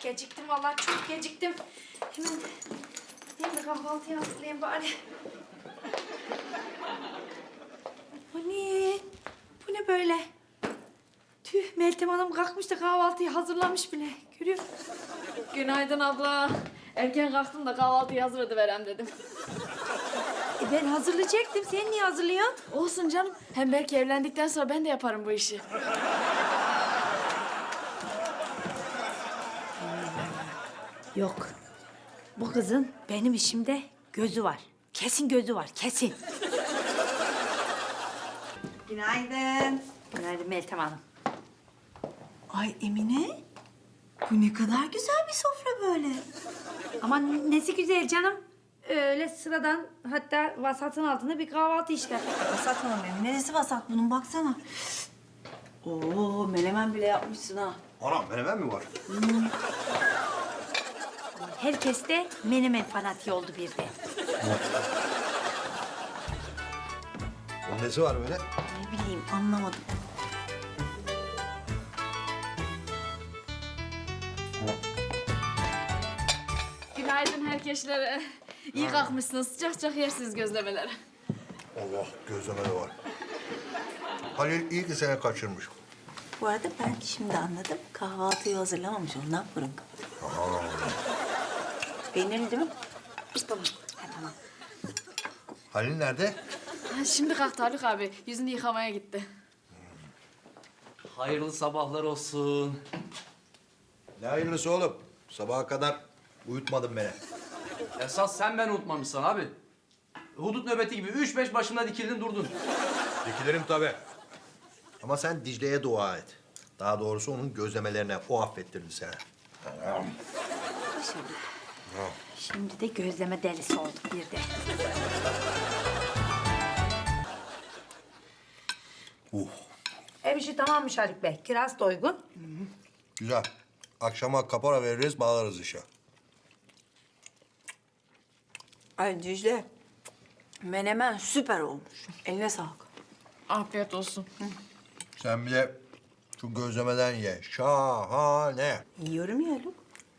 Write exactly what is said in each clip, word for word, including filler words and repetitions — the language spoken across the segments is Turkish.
Geciktim vallahi, çok geciktim. Hemen, hemen de kahvaltıya hazırlayayım bari. Bu ne? Bu ne böyle? Tüh, Meltem Hanım kalkmış da kahvaltıyı hazırlamış bile. Görüyor musun? Günaydın abla. Erken kalktım da kahvaltıyı hazır ediverem dedim. E ben hazırlayacaktım. Sen niye hazırlıyorsun? Olsun canım. Hem belki evlendikten sonra ben de yaparım bu işi. Yok. Bu kızın benim işimde gözü var. Kesin gözü var, kesin. Günaydın. Günaydın Meltem Hanım. Ay Emine, bu ne kadar güzel bir sofra böyle. Aman nesi güzel canım. Öyle sıradan, hatta vasatın altında bir kahvaltı işte. Vasat hanım Emine, neresi vasat bunun baksana. Oo, menemen bile yapmışsın ha. Anam menemen mi var? Herkes de menemen fanatiği oldu bir de. Bunun nesi var böyle? Ne bileyim, anlamadım. Günaydın herkeşlere. İyi kalkmışsınız. Sıcak sıcak yersiniz gözlemeleri. Allah gözleme de var. Halil iyi ki seni kaçırmış. Bu arada ben şimdi anladım. Kahvaltıyı hazırlamamış, ondan burun kapalı. Peynirli değil mi? Tamam. Ha, tamam. Halil nerede? Ha, şimdi kalktı Haluk abi. Yüzünü yıkamaya gitti. Hayırlı sabahlar olsun. Ne hayırlısı oğlum? Sabaha kadar uyutmadın beni. Esas sen beni unutmamışsın abi. Hudut nöbeti gibi üç beş başımda dikildin durdun. Dikilirim tabii. Ama sen Dicle'ye dua et. Daha doğrusu onun gözlemelerine o affettirdi seni. Şimdi de gözleme delisi olduk bir de. Uh, Ev işi tamammış Haluk Bey. Kiraz da uygun. güzel. Akşama kapora veririz, bağlarız işe. Ay Dicle, menemen süper olmuş. Eline sağlık. Afiyet olsun. Sen bir de şu gözlemeden ye. Şahane. Yiyorum ya Haluk.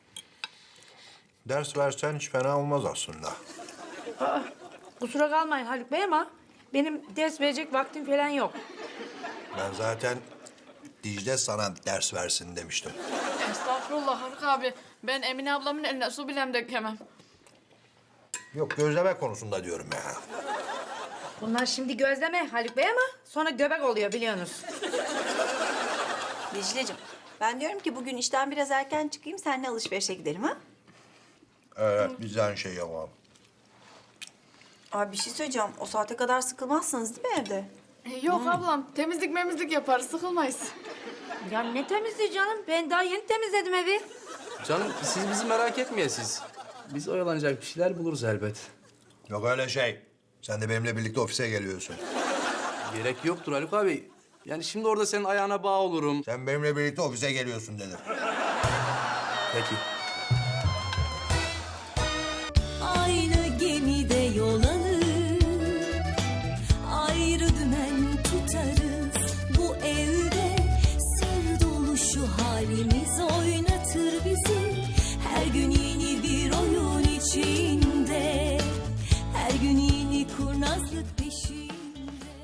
Ders versen hiç fena olmaz aslında. Kusura kalmayın Haluk Bey ama benim ders verecek vaktim falan yok. Ben zaten Dicle sana ders versin demiştim. Estağfurullah Haluk abi. Ben Emine ablamın eline su bilem dökemem. Yok gözleme konusunda diyorum ya. Bunlar şimdi gözleme Haluk Bey ama sonra göbek oluyor biliyorsunuz. Dicle'cim, ben diyorum ki bugün işten biraz erken çıkayım, seninle alışverişe gidelim ha? Evet, biz de aynı şey yapalım. Abi bir şey söyleyeceğim. O saate kadar sıkılmazsınız değil mi evde? E, Yok ablam. Temizlik memizlik yaparız. Sıkılmayız. Ya ne temizliği canım? Ben daha yeni temizledim evi. Canım siz bizi merak etmeyesiz. Biz oyalanacak bir şeyler buluruz elbet. Yok öyle şey. Sen de benimle birlikte ofise geliyorsun. Gerek yoktur Haluk abi. Yani şimdi orada senin ayağına bağ olurum. Sen benimle birlikte ofise geliyorsun dedim. Peki.